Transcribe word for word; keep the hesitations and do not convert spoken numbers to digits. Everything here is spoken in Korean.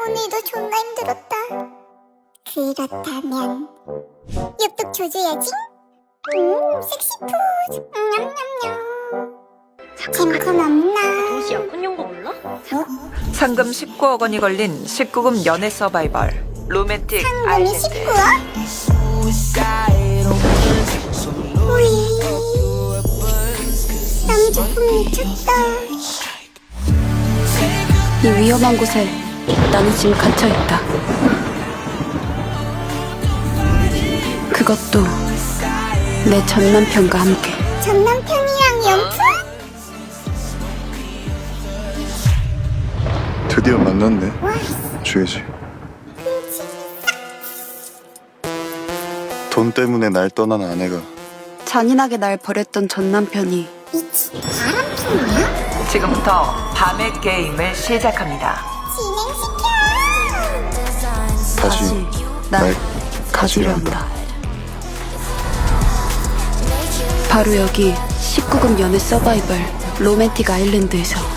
오늘도 존나 힘들었다. 그렇다면 엽떡 줘줘야지. 음, 섹시푸드. 냠냠냠. 잼콘 없나? 도시 약혼 연고 몰라? 어? 상금 십구억 원이 걸린 십구 금 연애 서바이벌 로맨틱 상금이 아일랜드. 십구억? 우이. 남주품 미쳤다. 이 위험한 곳에 나는 지금 갇혀있다. 그것도 내 전 남편과 함께. 전 남편이랑 연풍? 드디어 만났네. 와, 주혜지. 돈 때문에 날 떠난 아내가 잔인하게 날 버렸던 전 남편이 미친 바람핀이야? 지금부터 밤의 게임을 시작합니다. 진행시켜. 다시 날 날 가지려 한다. 바로 여기 십구 금 연애 서바이벌 로맨틱 아일랜드에서